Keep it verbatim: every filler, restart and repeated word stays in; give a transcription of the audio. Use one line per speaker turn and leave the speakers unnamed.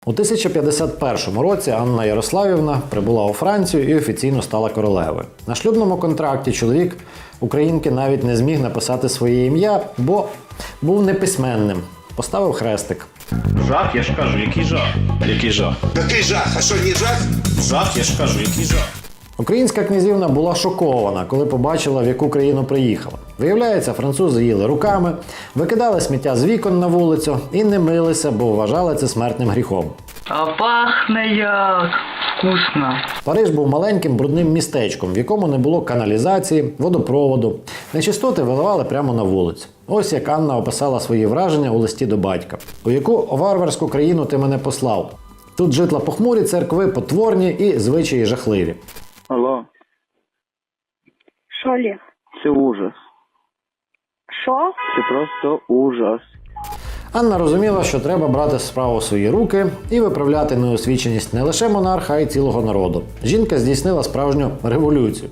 У тисяча п'ятдесят першому році Анна Ярославівна прибула у Францію і офіційно стала королевою. На шлюбному контракті чоловік українки навіть не зміг написати своє ім'я, бо був неписьменним. Поставив хрестик.
Жах, я ж кажу, який жах? Який жах?
Який жах? А що, не жах?
Жах, я ж кажу, який жах?
Українська князівна була шокована, коли побачила, в яку країну приїхала. Виявляється, французи їли руками, викидали сміття з вікон на вулицю і не милися, бо вважали це смертним гріхом.
А пахне як вкусно.
Париж був маленьким брудним містечком, в якому не було каналізації, водопроводу. Нечистоти виливали прямо на вулицю. Ось як Анна описала свої враження у листі до батька. У яку варварську країну ти мене послав? Тут житла похмурі, церкви потворні і звичаї жахливі.
Алло,
Що, Олег?
це ужас.
Що?
Це просто ужас.
Анна розуміла, що треба брати справу в свої руки і виправляти неосвіченість не лише монарха, а й цілого народу. Жінка здійснила справжню революцію.